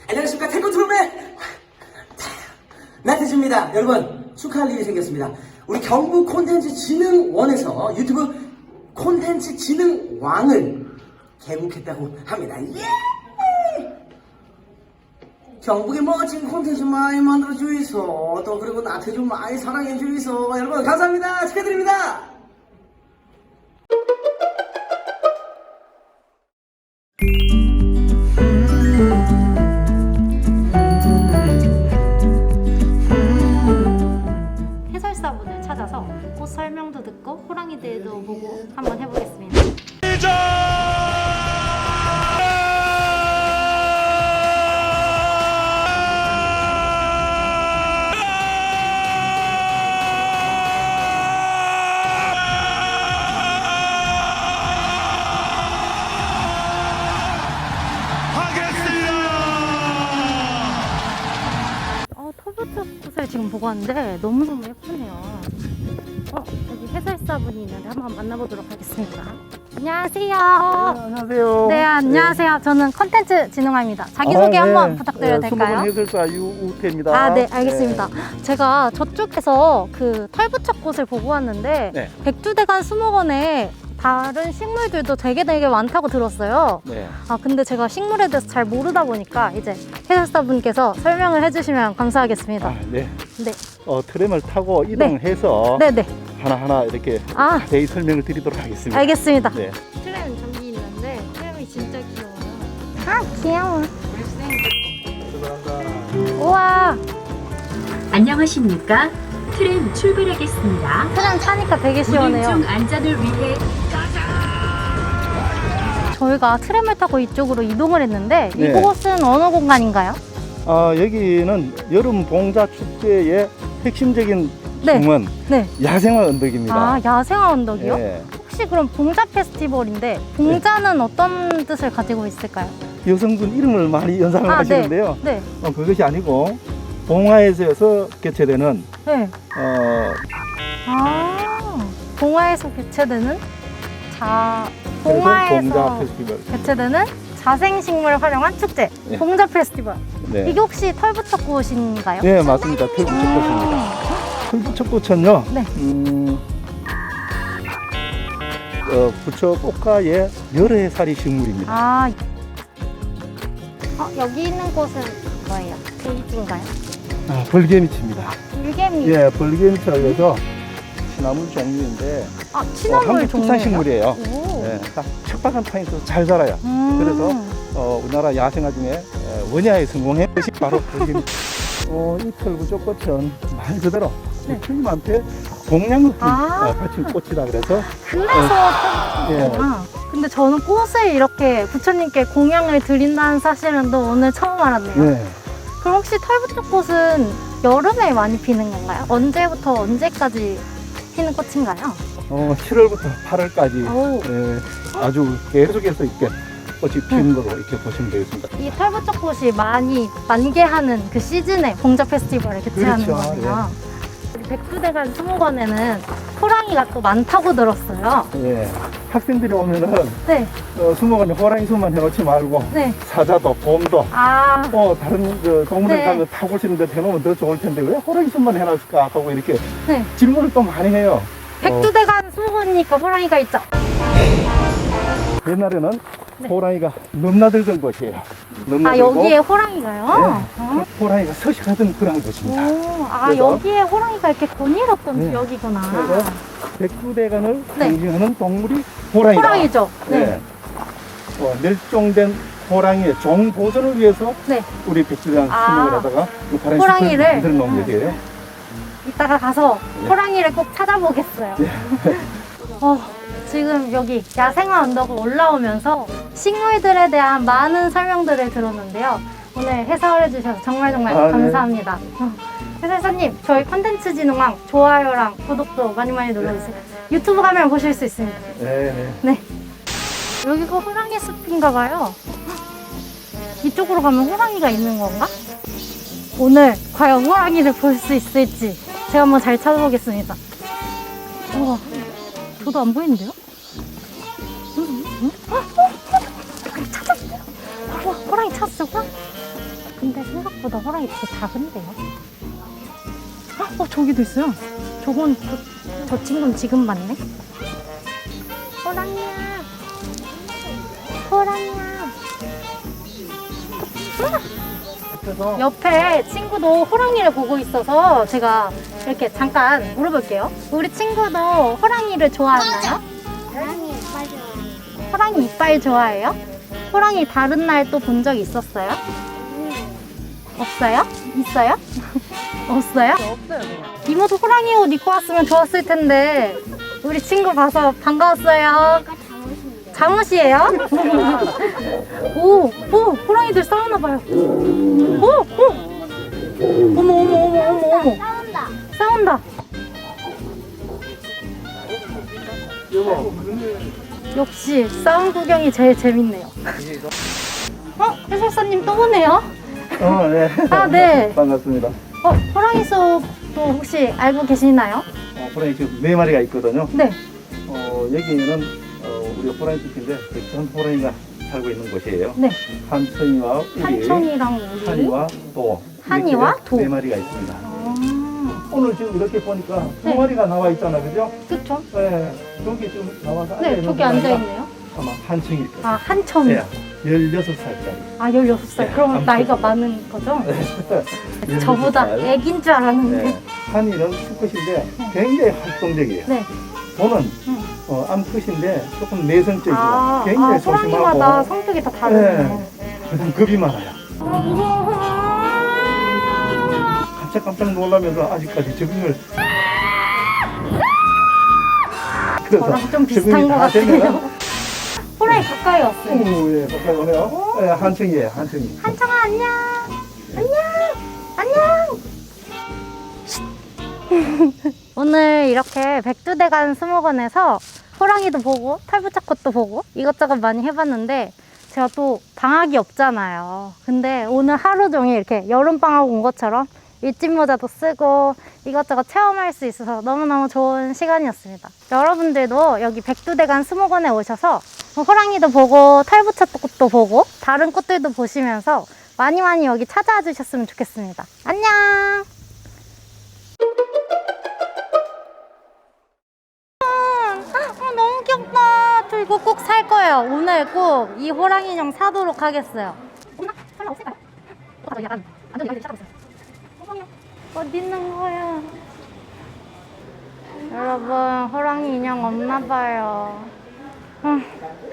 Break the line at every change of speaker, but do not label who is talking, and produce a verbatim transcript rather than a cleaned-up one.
안녕하십니까. 태권 트롯의 나태주입니다. 여러분, 축하할 일이 생겼습니다. 우리 경북 콘텐츠 진흥원에서 유튜브 콘텐츠 진흥왕을 개국했다고 합니다. 예! 경북에 멋진 콘텐츠 많이 만들어 주이소. 또 그리고 나태주 많이 사랑해 주이소. 여러분 감사합니다. 축하드립니다.
해설사분을 찾아서 꽃 설명도 듣고 호랑이들도 보고 한번 해보겠습니다. 어, 털부터 꽃을 지금 보고 왔는데 너무너무 예쁘네요. 어, 여기 해설사분이 있는데 한번 만나보도록 하겠습니다. 안녕하세요.
네, 안녕하세요.
네, 안녕하세요. 저는 컨텐츠 진흥아입니다. 자기소개
아, 네.
한번 부탁드려도
네,
될까요?
수목원 해설사 유우태입니다.
아, 네, 알겠습니다. 제가 저쪽에서 그 털부처꽃을 보고 왔는데
네.
백두대간 수목원에 다른 식물들도 되게 되게 많다고 들었어요.
네.
아, 근데 제가 식물에 대해서 잘 모르다 보니까 이제 해설사분께서 설명을 해주시면 감사하겠습니다.
아, 네.
네,
어, 트램을 타고 이동해서
네, 네.
하나하나 이렇게
아,
자세히 설명을 드리도록 하겠습니다.
알겠습니다.
네.
트램 저기 있는데 트램이 진짜 귀여워요. 아, 귀여워. 우와,
안녕하십니까? 트램 출발하겠습니다.
트램 타니까 되게 시원해요.
운행 중 안전을 위해
저희가 트램을 타고 이쪽으로 이동을 했는데
네.
이곳은 어느 공간인가요?
아, 여기는 여름 봉자 축제의 핵심적인
네.
중은
네.
야생화 언덕입니다.
아, 야생화 언덕이요?
네.
혹시 그럼 봉자 페스티벌인데 봉자는 어떤 뜻을 가지고 있을까요?
여성분 이름을 많이 연상을
아,
하시는데요.
네.
어, 그것이 아니고 봉화에서 개최되는
네.
어,
아, 봉화에서 개최되는 자
그래서
봉화에서
봉자 페스티벌.
개최되는 자생식물 활용한 축제
네.
봉자 페스티벌.
네.
이게 혹시 털부처꽃인가요?
네, 맞습니다. 털부처꽃입니다. 털부처꽃은요,
네.
음, 어, 부처 꽃가의 여러 해살이 식물입니다.
아, 어, 여기 있는 꽃은 뭐예요? 베이지인가요?
아, 벌개미치입니다.
일개미.
예, 벌개미치라고 시나물 종류인데
아,
어,
친화물
한국 특산
종류예요?
식물이에요.
오.
예, 딱 척박한 땅에서 잘 자라요.
음.
그래서 어, 우리나라 야생화 중에 에, 원야에 성공한 것이 바로 벌개미치. 어, 이 털부처꽃은 말 그대로
네.
틀림한테 동양을
아.
갖춘 꽃이다 그래서
그래서
예.
털부처구나. 근데 저는 꽃을 이렇게 부처님께 공양을 드린다는 사실은 또 오늘 처음 알았네요.
네.
그럼 혹시 털부처꽃은 여름에 많이 피는 건가요? 언제부터 언제까지 피는 꽃인가요?
어, 칠월부터 팔월까지
오.
예, 아주 계속해서 이렇게 꽃이 피는 거로 이렇게 보시면 되겠습니다.
이 털부처꽃이 많이 만개하는 그 시즌에 봉자 페스티벌을 개최하는
그렇죠.
거예요. 우리 백두대간 수목원에는 호랑이가 또 많다고 들었어요.
예, 학생들이 오면은
네,
어, 수목원에 호랑이 수만 해놓지 말고
네.
사자도, 곰도
아,
또 다른 그 동물을
네.
가면 타고 오시는 데 해놓으면 더 좋을 텐데 왜 호랑이 수만 해놨을까 하고 이렇게
네.
질문을 또 많이 해요.
백두대간 수목원이니까 호랑이가 있죠.
어, 옛날에는
네.
호랑이가 넘나들던 곳이에요.
아,
넘나들고
여기에 호랑이가요?
예, 호랑이가 서식하던 그런 곳입니다.
오, 아,
그래서-
여기에 호랑이가 이렇게 곤일었던
네.
지역이구나.
그래서 백두대간을
네.
상징하는 동물이 호랑이다.
호랑이죠. 네.
네. 어, 멸종된 호랑이의 종 보존을 위해서
네.
우리 백두대간
아,
수목원에다가 이 파란
호랑이를?
숲을 만들어 놓은 것이에요.
이따가 가서
네.
호랑이를 꼭 찾아보겠어요. 어, 지금 여기 야생화 언덕을 올라오면서 식물들에 대한 많은 설명들을 들었는데요. 오늘 해설해 주셔서 정말 정말
아, 네.
감사합니다. 어, 해설사님, 저희 컨텐츠 진흥왕 좋아요랑 구독도 많이 많이 눌러주세요. 유튜브 가면 보실 수 있습니다.
네, 네.
네. 여기가 호랑이 숲인가 봐요. 이쪽으로 가면 호랑이가 있는 건가? 오늘 과연 호랑이를 볼 수 있을지 제가 한번 잘 찾아보겠습니다. 우와, 저도 안 보이는데요? 응? 응? 어? 어? 어? 찾았어요. 우와, 호랑이 찾았어. 호랑이. 근데 생각보다 호랑이 되게 작은데요? 헉, 어, 저기도 있어요. 저건, 저, 저 친구는 지금 봤네? 호랑이야. 호랑이야.
그래서
옆에 친구도 호랑이를 보고 있어서 제가 이렇게 잠깐 물어볼게요. 우리 친구도 호랑이를 좋아하나요?
호랑이 이빨 좋아해요.
호랑이 이빨 좋아해요? 호랑이 다른 날 또 본 적 있었어요? 없어요? 있어요? 없어요? 없어요. 이모도 호랑이 옷 입고 왔으면 좋았을 텐데 우리 친구 봐서 반가웠어요.
이거 잠옷인데.
잠옷이에요? 오, 오, 호랑이들 싸우나 봐요. 오, 오, 어머, 어머, 어머, 어머, 어머,
싸운다.
싸운다. 역시 싸움 구경이 제일 재밌네요. 어, 해설사님 또 오네요.
어, 네.
아, 네.
반갑습니다.
어, 호랑이 수업도 혹시 알고 계시나요?
어, 호랑이 지금 네 마리가 있거든요.
네.
어, 여기는 어, 우리 호랑이 집인데 백천 호랑이가 살고 있는 곳이에요.
네.
한천이와 우리,
한천이랑 우리.
한이와 도.
한이와
이렇게
도.
네 마리가 있습니다.
아,
오늘 지금 이렇게 보니까 두
네.
마리가 나와 있잖아, 그죠?
그쵸?
네, 저기 좀 나와서
네,
앉아있는
저기
호랑이가
앉아있네요.
아마 한층일 거예요.
아, 한천.
네, 열여섯 살짜리.
아, 열여섯 살.
네,
그럼
아무튼.
나이가 많은 거죠? 저보다
열여섯 살.
애긴 줄 알았는데.
네, 한이는 수컷인데 굉장히 활동적이에요.
네.
도는
음.
어, 암컷인데 조금 내성적이고
아,
굉장히
아, 호랑이마다
조심하고
성격이 다 다르네요.
그다음 겁이 많아요. 깜짝깜짝 놀라면서 아직까지 적응을 그래서
저랑 좀 비슷한
적응이
것
다 되면은
같아요. 호랑이 가까이 왔어요.
오, 예, 가까이 오네요. 예, 한층이에요, 한층이.
한청아, 안녕. 안녕. 안녕. 오늘 이렇게 백두대간 수목원에서 호랑이도 보고 털부착꽃도 보고 이것저것 많이 해봤는데 제가 또 방학이 없잖아요. 근데 오늘 하루 종일 이렇게 여름방학 온 것처럼 일진모자도 쓰고 이것저것 체험할 수 있어서 너무너무 좋은 시간이었습니다. 여러분들도 여기 백두대간 수목원에 오셔서 호랑이도 보고 털부착꽃도 보고 다른 꽃들도 보시면서 많이 많이 여기 찾아와 주셨으면 좋겠습니다. 안녕! 어, 너무 귀엽다. 저 이거 꼭 살 거예요. 오늘 꼭 이 호랑이 인형 사도록 하겠어요. 없나? 설마 없을까요? 어, 약간 완전 이렇게 찾아봤어요. 호랑이 어디 있는 거야? 여러분, 호랑이 인형 없나 봐요. 음,